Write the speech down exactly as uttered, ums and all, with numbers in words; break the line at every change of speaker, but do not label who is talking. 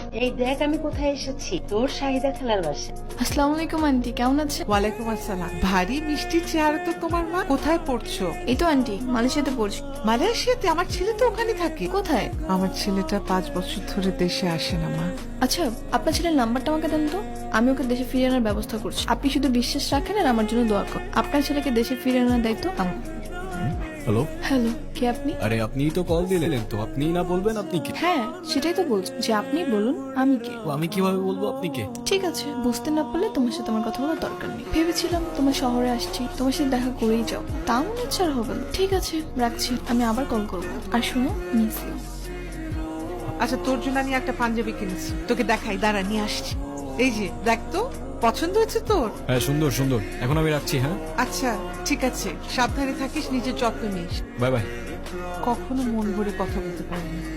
এই দেখ আমি কোথায় এসেছি, তোর শাহিদা খালার বাসা।
আসসালামু আলাইকুম আন্টি, কেমন আছেন?
ওয়ালাইকুম আসসালাম। ভারী মিষ্টি চেহারা তো তোমার মা। কোথায় পড়ছো?
এই তো আন্টি, মালয়েশিয়াতে পড়ছি।
মালয়েশিয়াতে? আমার ছেলে তো ওখানে থাকে।
কোথায়?
আমার ছেলেটা পাঁচ বছর ধরে দেশে আসে না মা।
আচ্ছা, আপনার ছেলের নাম্বারটা আমাকে দেন তো, আমি ওকে দেশে ফিরে আনার ব্যবস্থা করছি। আপনি শুধু বিশ্বাস রাখেন আর আমার জন্য দোয়া করুন। আপনার ছেলেকে দেশে ফিরে আনার দায়িত্ব আমার।
হ্যালো,
হ্যালো, কে আপনি?
আরে আপনিই তো কল দিলেন, তো আপনিই না বলবেন আপনি কে?
হ্যাঁ, সেটাই তো বলছি যে আপনি বলুন আমি কে।
ও, আমি কিভাবে বলবো আপনি কে?
ঠিক আছে, বুঝতে না পারলে তোমার সাথে আমার কথা বলার দরকার নেই। ভেবেছিলাম তোমার শহরে আসছি, তোমার সাথে দেখা করেই যাও, তাও মনে ইচ্ছা আর হবে না। ঠিক আছে, রাখছি, আমি আবার কল করবো। আর শুনো, মিস ইউ।
আচ্ছা, তোর জন্য আমি একটা পাঞ্জাবি কিনেছি, তোকে দেখাই, দাঁড়া নিয়ে আসছি। এই যে দেখ তো, পছন্দ হয়েছে তোর?
হ্যাঁ, সুন্দর সুন্দর। এখন আমি রাখছি। হ্যাঁ,
আচ্ছা ঠিক আছে, সাবধানে থাকিস, নিজের যত্ন নিস।
Bye bye.
কখনো মন ভরে কথা বলতে পারিনি।